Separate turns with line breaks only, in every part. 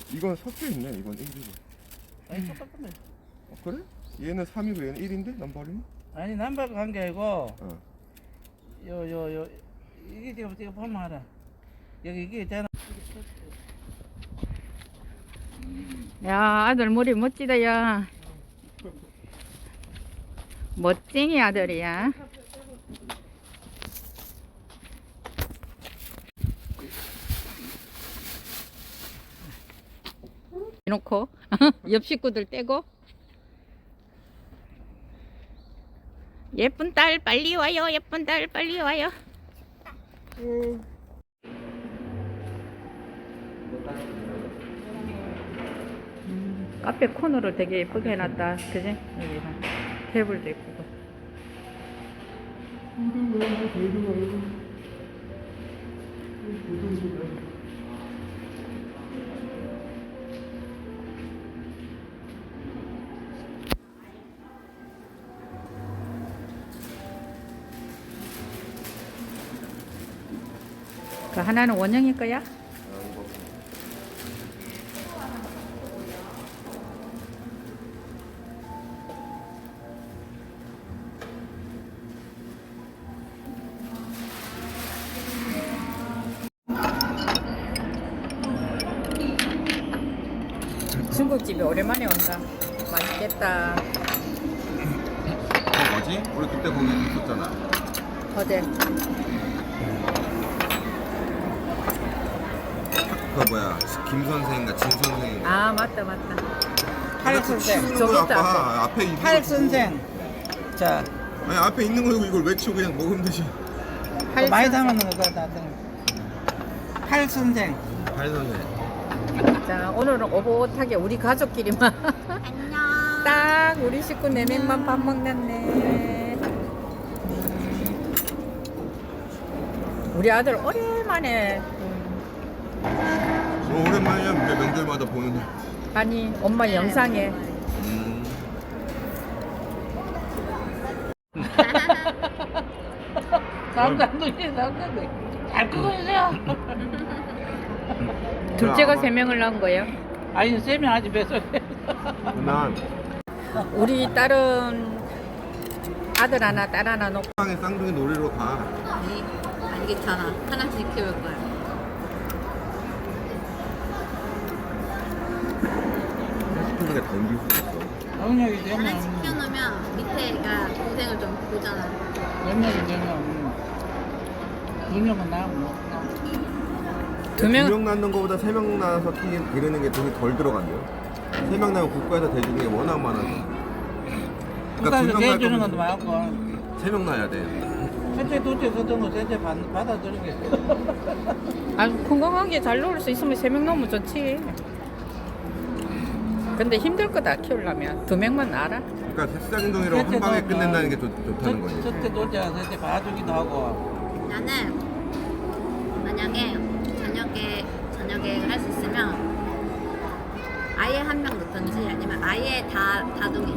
이건 섞여 있네. 이건 1이고.
아니 똑같네.
그래? 얘는 3이고 얘는 1인데 남발이는?
아니 남발 관계 아니고
어.
요 이게 지금 보면 알아. 여기 이게 있잖아.
야, 아들 머리 멋지다, 야. 멋쟁이 아들이야. 놓고 옆 식구들 떼고. 예쁜 딸 빨리 와요. 예쁜 딸 빨리 와요. 카페 코너를 되게 예쁘게 해놨다. 그지? 여기가 테이블도 예쁘고. 그 하나는 원형일 거야? 중국집이 오랜만에 온다. 맛있겠다.
뭐지? 우리 그때 거기 있었잖아.
어제
그 뭐야? 김 선생인가 진 선생인가?
아 맞다 맞다.
팔 선생.
저기
저기 있다,
아빠 앞에 있는
팔
거 보고.
선생. 자,
아니 앞에 있는 거 이걸 외치고 그냥 먹으면 되지.
또 많이 담았는 거 나한테. 팔 선생.
팔 선생.
자 오늘은 오붓하게 우리 가족끼리만
안녕.
딱 우리 식구 4명만 밥 먹는네. 우리 아들 오랜만에
오랜만이야. 명절마다 보는데.
아니 엄마 영상에
남자들이 잘 끄고 있어요.
둘째가
아마-
3명을 낳은 거예요.
아니 쌤이 아직 뱃속에.
난
우리 딸은 아들 하나 딸 하나 놓고
빵에 쌍둥이 놀이로 가.
아니, 아니 괜찮아. 하나씩 키울 거야.
시키는 게 덤빌 수 있어.
영역이 되면
하나씩 키워놓으면 밑에가 동생을 좀 보잖아.
영역이 되면 영역은 나고.
2명
2명 낳는 거보다 3명 낳아서 기르는 게 돈이 덜 들어간대요. 3명 낳으면 국가에서 대주는 게 워낙 많아서.
국가에서
2명 낳을
대주는
거면
것도 많고.
3명 낳아야 돼.
첫째, 둘째 그런 거 셋째 받아들이는 게.
아주 건강하게 잘 놀 수 있으면 3명 놓으면 좋지. 근데 힘들 거다 키우려면 2명만 낳아라.
그러니까 새싹인동이로 한 방에 끝낸다는 게 좋다는 거지.
첫째, 둘째, 셋째 봐주기도 하고.
나는 만약에 저녁 계획을 할 수 있으면 아예 한 명 넣던지 아니면 아예 다둥이.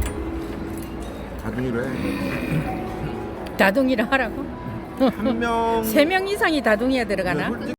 다둥이로 해.
다둥이를 하라고?
한 명.
3명 이상이 다둥이에 들어가나?
솔직히